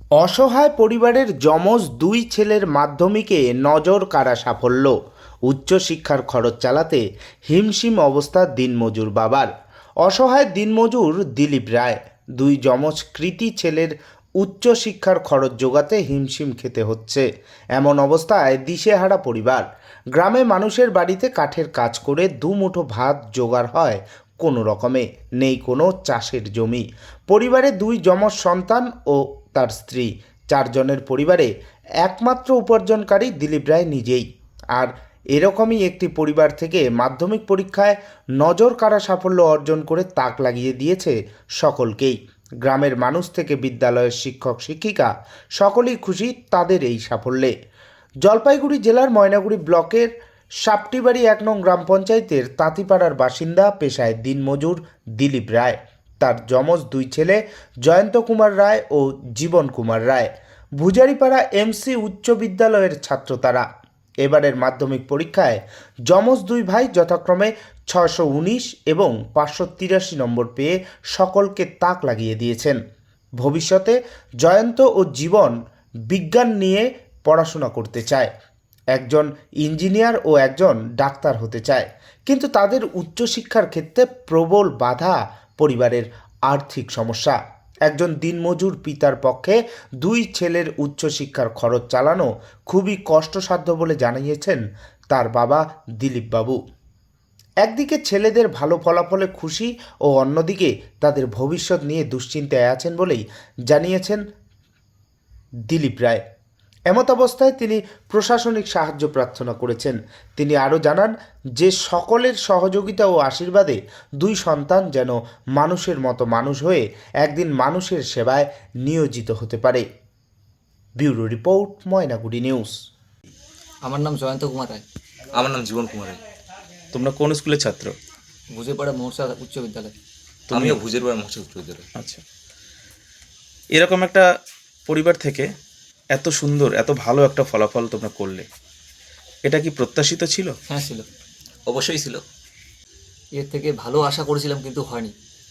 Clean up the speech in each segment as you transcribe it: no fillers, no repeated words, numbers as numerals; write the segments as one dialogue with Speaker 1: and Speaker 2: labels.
Speaker 1: অসহায় পরিবারের যমজ দুই ছেলের মাধ্যমিকে নজর কাড়া সাফল্য। উচ্চশিক্ষার খরচ চালাতে হিমশিম অবস্থা দিনমজুর বাবার। অসহায় দিনমজুর দিলীপ রায়। দুই যমজ কৃতী ছেলের উচ্চশিক্ষার খরচ জোগাতে হিমশিম খেতে হচ্ছে। এমন অবস্থায় দিশেহারা পরিবার। গ্রামে মানুষের বাড়িতে কাঠের কাজ করে দুমুঠো ভাত জোগাড় হয় কোনো রকমে। নেই কোনো চাষের জমি। পরিবারে দুই যমজ সন্তান ও তার স্ত্রী, চারজনের পরিবারে একমাত্র উপার্জনকারী দিলীপ রায় নিজেই। আর এরকমই একটি পরিবার থেকে মাধ্যমিক পরীক্ষায় নজর কাড়া সাফল্য অর্জন করে তাক লাগিয়ে দিয়েছে সকলকেই। গ্রামের মানুষ থেকে বিদ্যালয়ের শিক্ষক শিক্ষিকা সকলেই খুশি তাদের এই সাফল্যে। জলপাইগুড়ি জেলার ময়নাগুড়ি ব্লকের সাপটিবাড়ি 1 নং গ্রাম পঞ্চায়েতের তাঁতিপাড়ার বাসিন্দা, পেশায় দিনমজুর দিলীপ রায়। তার যমজ দুই ছেলে জয়ন্ত কুমার রায় ও জীবন কুমার রায়। ভুজারিপাড়া এমসি উচ্চ বিদ্যালয়ের ছাত্র তারা। এবারের মাধ্যমিক পরীক্ষায় যমজ দুই ভাই যথাক্রমে 619 এবং 583 নম্বর পেয়ে সকলকে তাক লাগিয়ে দিয়েছেন। ভবিষ্যতে জয়ন্ত ও জীবন বিজ্ঞান নিয়ে পড়াশোনা করতে চায়। একজন ইঞ্জিনিয়ার ও একজন ডাক্তার হতে চায়, কিন্তু তাদের উচ্চশিক্ষার ক্ষেত্রে প্রবল বাধা পরিবারের আর্থিক সমস্যা। একজন দিনমজুর পিতার পক্ষে দুই ছেলের উচ্চশিক্ষার খরচ চালানো খুবই কষ্টসাধ্য বলে জানিয়েছেন তার বাবা দিলীপ বাবু। একদিকে ছেলেদের ভালো ফলাফলে খুশি ও অন্যদিকে তাদের ভবিষ্যৎ নিয়ে দুশ্চিন্তায় আছেন বলেই জানিয়েছেন দিলীপ রায়। এমত অবস্থায় তিনি প্রশাসনিক সাহায্য প্রার্থনা করেছেন। তিনি আরও জানান যে সকলের সহযোগিতা ও আশীর্বাদে দুই সন্তান যেন মানুষের মতো মানুষ হয়ে একদিন মানুষের সেবায় নিয়োজিত হতে পারে। Bureau report, Mainaguri news.
Speaker 2: আমার নাম জয়ন্ত কুমার রায়।
Speaker 3: আমার নাম জীবন কুমার রায়।
Speaker 4: তোমরা কোন স্কুলের ছাত্র?
Speaker 2: বুঝেপাড়া মহর্ষা উচ্চ বিদ্যালয়।
Speaker 3: আমিও ভুজের পাড়া মহর্ষি উচ্চ বিদ্যালয়।
Speaker 4: আচ্ছা, এরকম একটা পরিবার থেকে এত সুন্দর এত ভালো একটা ফলাফল তোমরা করলে, এটা কি প্রত্যাশিত ছিল?
Speaker 2: হ্যাঁ ছিল,
Speaker 3: অবশ্যই ছিল।
Speaker 2: এর থেকে ভালো আশা করেছিলাম কিন্তু হয়নি।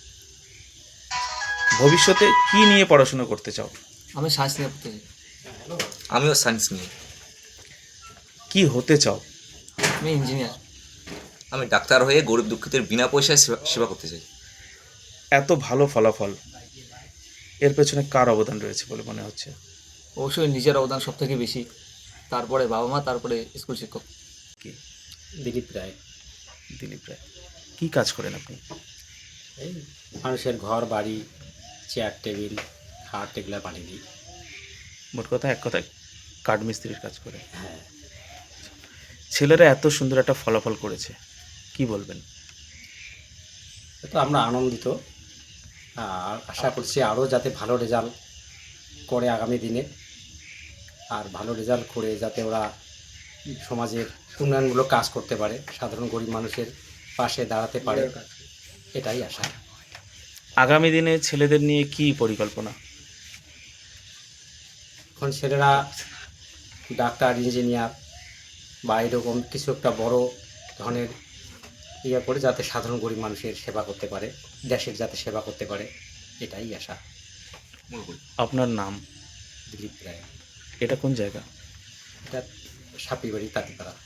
Speaker 4: ভবিষ্যতে কি নিয়ে পড়াশোনা করতে চাও?
Speaker 2: আমি সায়েন্স নিয়ে পড়তে চাই।
Speaker 3: আমিও সায়েন্স নিয়ে।
Speaker 4: কি হতে চাও?
Speaker 2: আমি ইঞ্জিনিয়ার।
Speaker 3: আমি ডাক্তার হয়ে গরিব দুঃখীদের বিনা পয়সায় সেবা করতে চাই।
Speaker 4: এত ভালো ফলাফল, এর পেছনে কার অবদান রয়েছে বলে মনে হচ্ছে?
Speaker 2: অবশ্যই নিজের অবদান সব থেকে বেশি, তারপরে বাবা মা, তারপরে স্কুল শিক্ষক।
Speaker 4: কি?
Speaker 5: দিলীপ রায়।
Speaker 4: দিলীপ রায় কি কাজ করেন আপনি?
Speaker 5: এই মানুষের ঘর বাড়ি, চেয়ার টেবিল, খাট এগুলো বানিয়ে দিই।
Speaker 4: মোট কথা, এক কথায় কাঠ মিস্ত্রির কাজ করে।
Speaker 5: হ্যাঁ,
Speaker 4: ছেলেরা এত সুন্দর একটা ফলাফল করেছে, কি বলবেন?
Speaker 5: তো আমরা আনন্দিত, আর আশা করছি আরও যাতে ভালো রেজাল্ট করে আগামী দিনে, আর ভালো রেজাল্ট করে যাতে ওরা সমাজের উন্নয়নমূলক কাজ করতে পারে, সাধারণ গরিব মানুষের পাশে দাঁড়াতে পারে, এটাই আশা।
Speaker 4: আগামী দিনে ছেলেদের নিয়ে কি পরিকল্পনা?
Speaker 5: এখন ছেলেরা ডাক্তার, ইঞ্জিনিয়ার বা এরকম কিছু একটা বড় ধরনের ইয়ে করে যাতে সাধারণ গরিব মানুষের সেবা করতে পারে, দেশের যাতে সেবা করতে পারে, এটাই আশা।
Speaker 4: আপনার নাম?
Speaker 5: দিলীপ রায়।
Speaker 4: এটা কোন জায়গা?
Speaker 5: এটা সাপিবাড়ি, তাঁতিপাড়া।